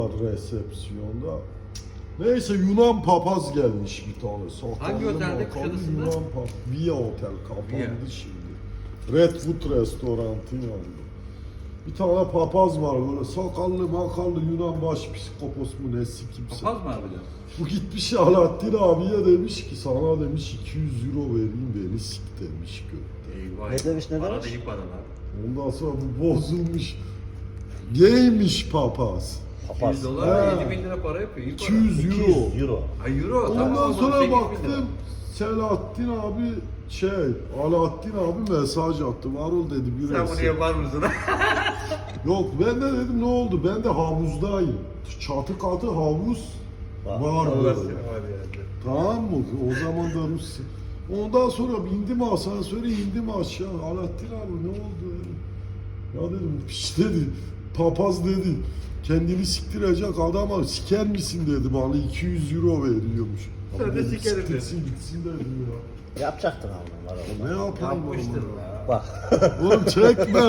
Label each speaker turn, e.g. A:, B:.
A: resepsiyonda. Neyse Yunan papaz gelmiş bir tane.
B: Hangi otelde? Kuşadası'nda?
A: Yunan papaz. Via Otel kapandı şimdi. Redwood restorantın yanında. Bir tane papaz var böyle sakallı makallı Yunan başpiskopos mu nesi kimse.
B: Papaz mı harbiden?
A: Bu gitmiş Alaaddin abiye demiş ki sana demiş 200 euro vereyim beni sik demiş gökte.
B: Eyvah.
C: Ne demiş, ne
B: Para
C: demiş?
B: değil paralar.
A: Ondan sonra bu bozulmuş. Gaymiş papaz.
B: 200 dolar
A: Ha.
B: 7.000 lira para yapıyor. İyi para.
A: 200 euro.
C: 200 euro.
B: Ay euro.
A: Ondan
B: tamam,
A: sonra
B: 8.000 lira.
A: baktım Selahattin abi Alaaddin abi mesaj attı. Varol dedi bir
B: Sen bunu
A: resim.
B: yapar mısın?
A: Yok ben de dedim ne oldu? Ben de havuzdayım. Çatı katı havuz var
B: Allah
A: böyle.
B: seni var yani.
A: Tamam mı? O zaman da Rusya. Ondan sonra indim asansöre indim aşağı. Alaaddin abi ne oldu? Dedim. Ya dedim piş dedi. Papaz dedi. Kendini siktirecek adama siker misin dedi bana 200 euro veriyormuş.
B: Sen
A: Abi
B: de
A: dedim,
B: sikerim
A: siktirsin gitsin dedim ya.
C: Yapacaktın abi.
A: Ne yapayım
B: Yapmıştır
A: oğlum?
B: ya.
C: Bak.
A: Oğlum çekme.